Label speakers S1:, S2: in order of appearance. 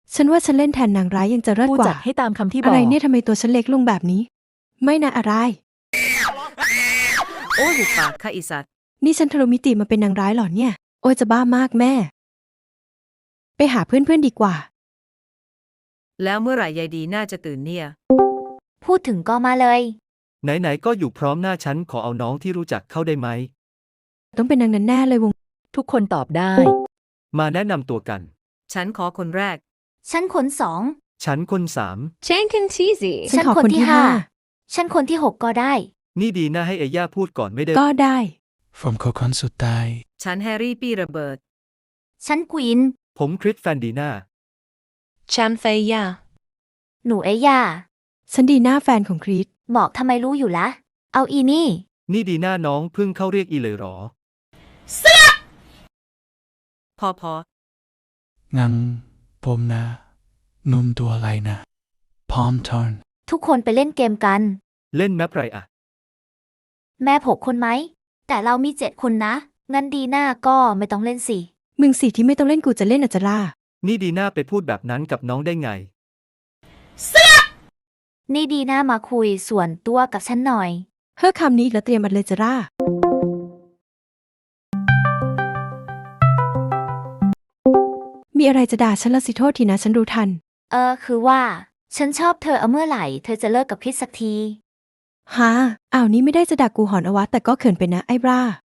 S1: ฉันว่าฉันเล่นแทนนางร้ายยังจะเลิศ
S2: ผู้
S1: ก
S2: จั
S1: ว่า
S2: ดให้ตามคำที่บ
S1: อะ
S2: อก
S1: ไรเนี่ยทำไมตัวฉันเล็กลงแบบนี้ ไม่นะอะไร
S3: โอ้หุบปากค่ะอีสัตว์
S1: นี่ฉันทะลุมิติมาเป็นนางร้ายเหรอเนี่ย โอ้ยจะบ้ามากแม่ ไปหาเพื่อนๆดีกว่า
S3: แล้วเมื่อไหร่ยายดีน่าจะตื่นเนี่ย
S4: พูดถึงก็มาเลย
S5: ไหนๆก็อยู่พร้อมหน้าฉันขอเอาน้องที่รู้จักเข้าได้ไหม
S1: ต้องเป็นนางนั้นแน่เลยวง
S2: ทุกคนตอบได้
S5: มาแนะนำตัวกัน
S3: ฉันขอคนแรก
S4: ฉันคนสอง
S5: ฉันคนสาม
S6: Jankin Cheesy.
S1: ฉันขอคนที่ห้า
S4: ฉันคนที่หกก็ได้
S5: นี่ดีนะให้เอย่าพูดก่อนไม่ได้
S1: ก็ได้
S7: ผมคือคนสุดท้าย
S3: ฉันแฮร์รี่ปี้ระเบิด
S4: ฉันควีน
S5: ผมคริสแฟนดีน่า
S6: Chamthaya.
S4: หนูเอย่า
S1: ฉันดีหน้าแฟนของคริส
S4: บอกทำไมรู้อยู่ละ เอาอีนี่
S5: นี่ดีน่าน้องเพิ่งเข้าเรียกอีเลยหรอ
S3: พอ
S7: งั้นผมนะหนุ่มตัวอะไรนะ พร้อมทอน
S4: ทุกคนไปเล่นเกมกัน
S5: เล่นแมปไรอะ
S4: แม่6 คนไหม แต่เรามี7 คนนะ งั้นดีหน้าก็ไม่ต้องเล่นสิ
S1: มึงสิที่ไม่ต้องเล่นกูจะเล่นอาจจะล่า
S5: นี่ดีน่าไปพูดแบบนั้นกับน้องได้ไง
S4: นี่ดีหน้ามาคุยส่วนตัวกับฉันหน่อย
S1: เฮ้อคำนี้อีกแล้วเตรียมอัดเลยจะล่า มีอะไรจะด่าฉันละสิโทษทีนะฉันรู้ทัน
S4: คือว่า ฉันชอบเธอเมื่อไหร่เธอจะเลิกกับคริสสักที
S1: ฮะอ้าวนี่ไม่ได้จะด่ากูหอนอวะแต่ก็เขินไปนะไอ้บ้า